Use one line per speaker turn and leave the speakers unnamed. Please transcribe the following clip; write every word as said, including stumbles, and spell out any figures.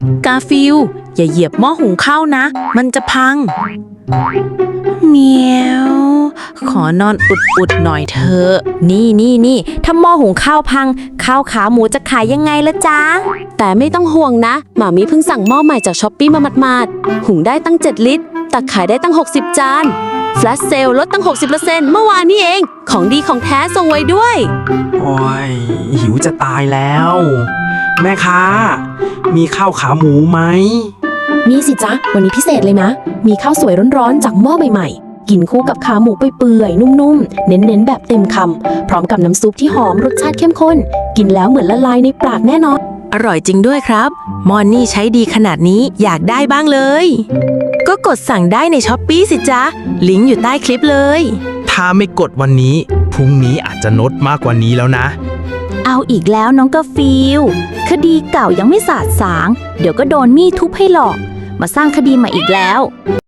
กาฟิลอย่าเหยียบหม้อหุงข้าวนะมันจะพังเมียวขอนอนอุดๆหน่อยเถอะ
นี่นี่นี่ถ้าหม้อหุงข้าวพังข้าวขาหมูจะขายยังไงละจ๊ะแต่ไม่ต้องห่วงนะหมามีเพิ่งสั่งหม้อใหม่จากช้อปปี้มาหมาดๆหุงได้ตั้งเจ็ดลิตรตักขายได้ตั้งหกสิบจานแฟลชเซลลดตั้ง หกสิบเปอร์เซ็นต์ เมื่อวานนี้เองของดีของแท้ส่งไว้ด้วย
โอ้ยหิวจะตายแล้ว แม่ค้ามีข้าวขาหมูไหม
มีสิจ๊ะวันนี้พิเศษเลยนะมีข้าวสวยร้อนๆจากหม้อใหม่ๆกินคู่กับขาหมูเปื่อยๆนุ่มๆเน้นๆแบบเต็มคำพร้อมกับน้ำซุปที่หอมรสชาติเข้มข้นกินแล้วเหมือนละลายในปากแน่นอน
อร่อยจริงด้วยครับมอนนี่ใช้ดีขนาดนี้อยากได้บ้างเลย ก็กดสั่งได้ในช้อปปี้สิจ๊ะลิงก์อยู่ใต้คลิปเลย
ถ้าไม่กดวันนี้พรุ่งนี้อาจจะนดมากกว่านี้แล้วนะ
เอาอีกแล้วน้องกาฟิลคดีเก่ายังไม่สาดสาง เดี๋ยวก็โดนมีดทุบให้หลอก มาสร้างคดีใหม่อีกแล้ว